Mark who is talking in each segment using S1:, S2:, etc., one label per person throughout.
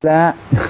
S1: และ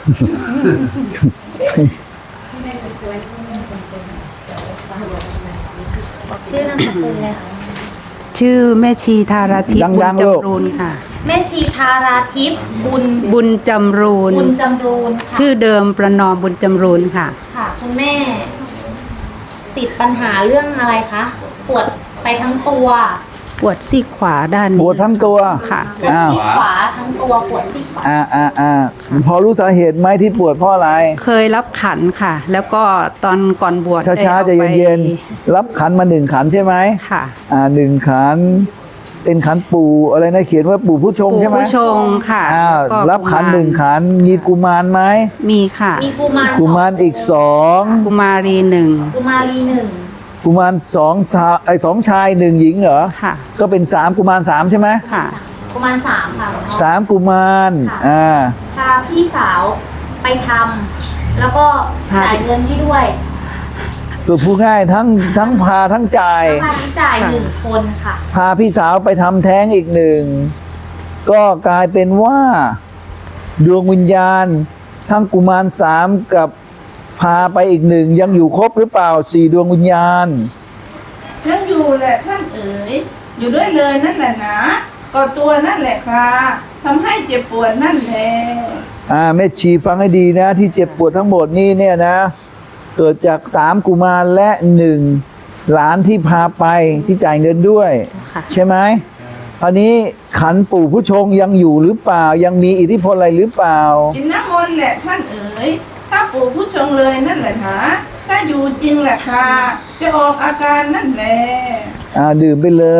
S2: ชื่อนามสกุลเลยค่ะ
S3: ชื่อแม่ชีธาราทิพย์บุญจำรูนค่ะ
S2: แม่ชีธาราทิพย์
S3: บุญจำรูน
S2: บุญจำรูนค่ะ
S3: ชื่อเดิมประนอมบุญจำรูนค่ะ
S2: ค่ะคุณแม่ ติดปัญหาเรื่องอะไรคะปวดไปทั้งตัว
S3: ปวดซี่ขวาด้าน
S1: ปวดทั้งตัว
S3: ค่ะ
S2: ปวด
S1: อ้าว
S2: ที่ขวาทั้งตัวปวดที่ขวา
S1: พอรู้สาเหตุไหมที่ปวดเพราะอะไร
S3: เคยรับขันค่ะ แล้วก็ตอนก่อนบวช
S1: ช้าๆ
S3: ได้
S1: ใจะ
S3: อาไป
S1: เย็นๆรับขันมา1 ขันใช่ไหม
S3: ค่ะ
S1: 1 ขันเป็นขันปู่อะไรนะเขียนว่าปู่ผู้ชง
S3: ปู่
S1: ใช่ไหม
S3: ผู้ชงค่ะ
S1: แล้ว
S3: ก็
S1: รับขัน
S3: กุมาร
S1: 1 ขันมีกุมารไหม
S3: มีค่ะ
S2: มีกุมาร
S1: กุมารอีก2
S3: กุมารีหนึ่ง
S2: กุมารีหนึ่ง
S1: กุมาร2 ชาย1 หญิงเหรอ
S3: ค่ะ
S1: ก็เป็น3 กุมาร3ใช่ไหม
S3: ค่ะ
S2: กุมารสามค่ะหลวงพ่อ
S1: 3 กุมาร
S2: ค่ะ พาพี่สาวไปทำแล้วก็จ่ายเงินให้ด้วย
S1: ตัวผู้ง่ายทั้งพาทั้งจ่าย
S2: ค่าใช้จ่าย1 คนค่ะ
S1: พาพี่สาวไปทำแท้งอีก1ก็กลายเป็นว่าดวงวิญญาณ ทั้งกุมาร3กับพาไปอีก1ยังอยู่ครบหรือเปล่า4 ดวงวิญญาณ
S4: ยังอยู่แหละท่านเอ๋ยอยู่ด้วยเลยนั่นแหละนะก็ตัวนั่นแหละค่ะทำให้เจ็บปวดนั่นแหละ
S1: แม่ชีฟังให้ดีนะที่เจ็บปวดทั้งหมดนี่เนี่ยนะ เกิดจาก3 กุมารและ1 หลานที่พาไปที่จ่ายเงินด้วย
S3: ค่ะ
S1: ใช่ไหมอันนี้ขันปู่ผู้ชงยังอยู่หรือเปล่ายังมีอิทธิพลอะไรหรือเปล่า
S4: กินน้ำมนต์แหละท่านเอ๋ยถ้าปู่ผู้ชงเลยนั่นแหละนะถ้าอยู่จริงแหละค่ะจะออกอาการนั่นแหละ
S1: ดื่มไปเลย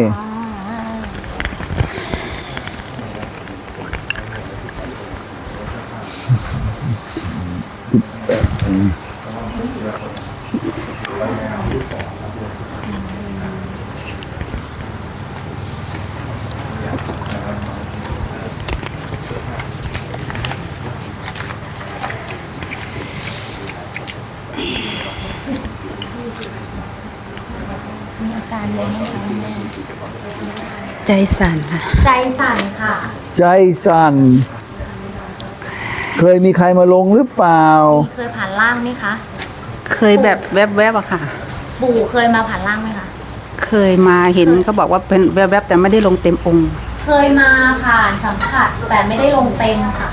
S2: มีอาการเลยไหมคะคุณแม่
S3: ใจสั่นค่ะ
S2: ใจสั่นค่ะ
S1: ใจสั่น เคยมีใครมาลงหรือเปล่า
S2: เคยผ่านร่างไหมคะ
S3: เคยแบบแวบๆอะค่ะ
S2: ปู่เคยมาผ่านร่างไหมคะ
S3: เคยมาเห็นเขาบอกว่าเป็นแวบๆแต่ไม่ได้ลงเต็มองค์
S2: เคยมาผ่านสัมผัสแต่ไม่ได้ลงเต็มค่ะ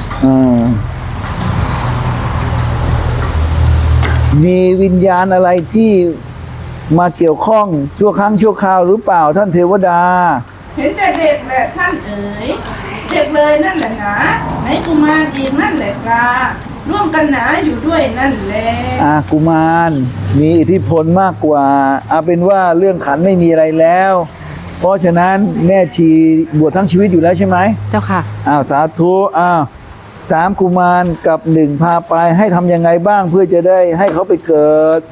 S1: มีวิญญาณอะไรที่มาเกี่ยวข้องชั่วครั้งชั่วคราวหรือเปล่าท่านเทวดา
S4: เห็นแต่เด็กแหละท่านเอ๋ยเด็กเลยนั่นแหละนะไหนกุมารอีกนั่นแหละค่ะร่วมกันหนาอยู่ด้วยนั่นแหละ
S1: กุมารมีอิทธิพลมากกว่าเอาเป็นว่าเรื่องขันไม่มีอะไรแล้ว เพราะฉะนั้นแม่ชีบวชทั้งชีวิตอยู่แล้วใช่ไหม
S3: เจ้าค่ะ
S1: สาธุ3 กุมารกับ1พาไปให้ทำยังไงบ้างเพื่อจะได้ให้เขาไปเกิด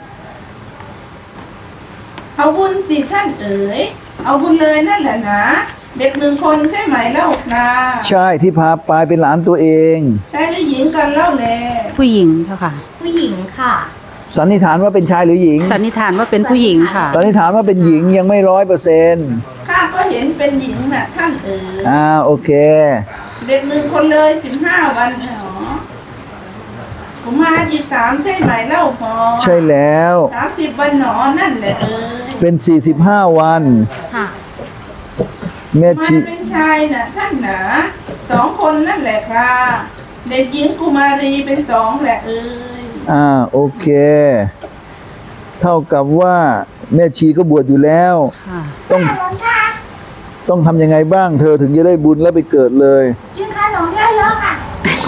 S4: เอาบุญสิท่านเอ๋ยเอาบุญเลยนั่นแหละนะเด็ก1 คนใช่ไหมเล่าค่ะ
S1: ใช่ที่พาไปเป็นหลานตัวเอง
S4: ชายหรือหญิงกันเล่าแล
S3: ผู้หญิงเจ้าค่ะ
S2: ผู้หญิงค่ะ
S1: สันนิษฐานว่าเป็นชายหรือหญิง
S3: สันนิษฐานว่าเป็นผู้หญิงค่ะ
S1: สันนิษฐานว่าเป็นหญิงยังไม่100%
S4: ข้าก็เห็นเป็นหญิงน่ะท่านเอ๋ย
S1: โอเค
S4: เด็ก1 คนเลย15 วันเหรอผมมาอีก3ใช่ไหมเล่าพอ
S1: ใช่แล้ว
S4: 30 วันหนอนั่นแหละเอ๋ย
S1: เป็น45 วัน
S2: ค่ะ
S1: แม่
S4: มา
S1: ชี
S4: เป็นชายน่ะท่านหนา2 คนนั่นแหละค่ะเด็กหญิงกุมารีเป็น2แหละเอ๋ย
S1: โอเค เท่ากับว่าแม่ชีก็บวชอยู่แล้ว
S3: ค่ะ
S1: ต้องทำยังไงบ้างเธอถึงจะได้บุญแล้วไปเกิดเลย
S4: กินขนมเยอะๆค่ะ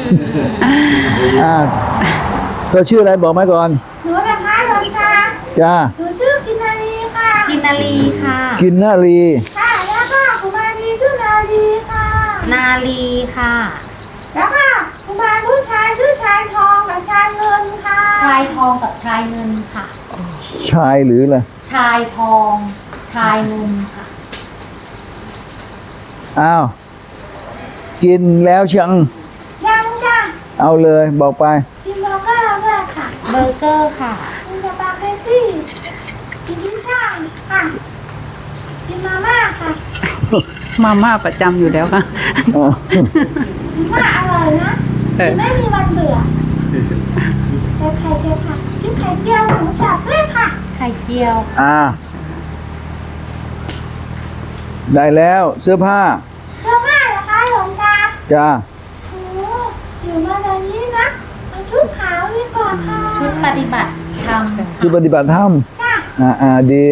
S1: เธอชื่ออะไรบอกมาก่อน
S4: หนูนะคะหลวงตา
S1: จ้า
S4: หนูชื่อกินนารีค่ะ
S2: กินนาลีค่ะ
S1: กินนารี
S4: ค่ะแล้วก็กุมารีชื่อนารีค่ะ
S2: นาลีค่ะ
S4: แล้วก็กุมารผู้ชายชื่อชายทองกับชายเงินค่ะ
S2: ชายทองกับชายเงินค่ะ
S1: ชายหรืออะไร
S2: ชายทอง ชายเงินค่ะ
S1: กินแล้วชัง
S4: ยังจ้ะ
S1: เอาเลยบอกไป
S4: กินเบอร์เกอร์ด้วยค่ะ
S2: เบอร์เกอร์ค่ะ
S4: กินสปาเกตตี้กินพิซซ่าค่ะกินมาม่าค่ะ
S3: มาม่าประจำอยู่แล้วค่ะ
S4: พิซซ่าอร่อยนะ
S5: ไม่มีวันเบื่อเจอไข่เจียวค่ะกินไข่เจียวหมูสับด้วยค่ะ
S2: ไข่เจียว
S1: ได้แล้วเสื้อผ้า
S5: เสื้อผ้าเหรอคะหลวงตา
S1: จ้า
S5: โอ้อยู่มาตอนนี้นะเอาชุดขาวดีกว่าค่ะ
S2: ชุดปฏิบัติธรรม
S1: คือปฏิบัติธรรม
S5: จ้ะ
S1: ดี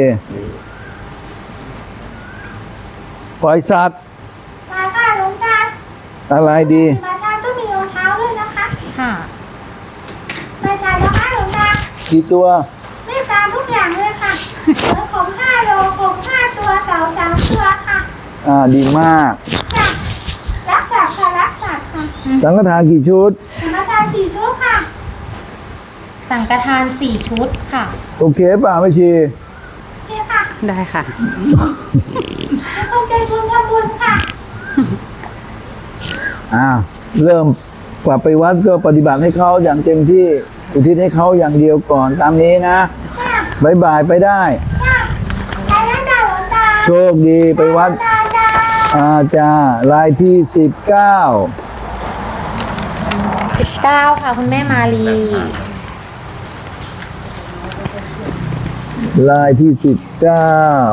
S1: ปล่อยสัตว์
S5: มาค่ะหลวงตา
S1: อะไรดี
S5: มาตาต้องมีรองเท้าด้วยนะคะ
S2: ค่ะ
S5: ไปใส่นะคะหลวงตา
S1: กี่ตัว
S5: เมตตาทุกอย่างเลยค่ะแล้วผม5 โลผม5 ตัวเต่า3 ตัวค่ะ
S1: ดีมาก
S5: จ้ะรักษาค่ะรักษาค่ะ
S1: สังฆทานกี่ชุด
S5: มาตา4 ชุดค่ะ
S2: สังฆทาน4 ชุดค่ะ
S1: โอเคป่ะไม่ชี
S5: โอเคค่ะ
S3: ได้ค่ะ
S5: เป็นคนใจบุญทำบุญค่ะ
S1: เริ่มกลับไปวัดก็ปฏิบัติให้เขาอย่างเต็มที่อุทิศให้เขาอย่างเดียวก่อนตามนี้นะ
S5: จ้ะ
S1: บายบายไปได้
S5: จ้ะไปแล้วจ้ะหลวงตา
S1: โชคดีไปวัด
S5: จ้าจ้า
S1: จ้ารายที่ 19
S2: 9 ค่ะคุณแม่มาลี
S1: รายที่ 19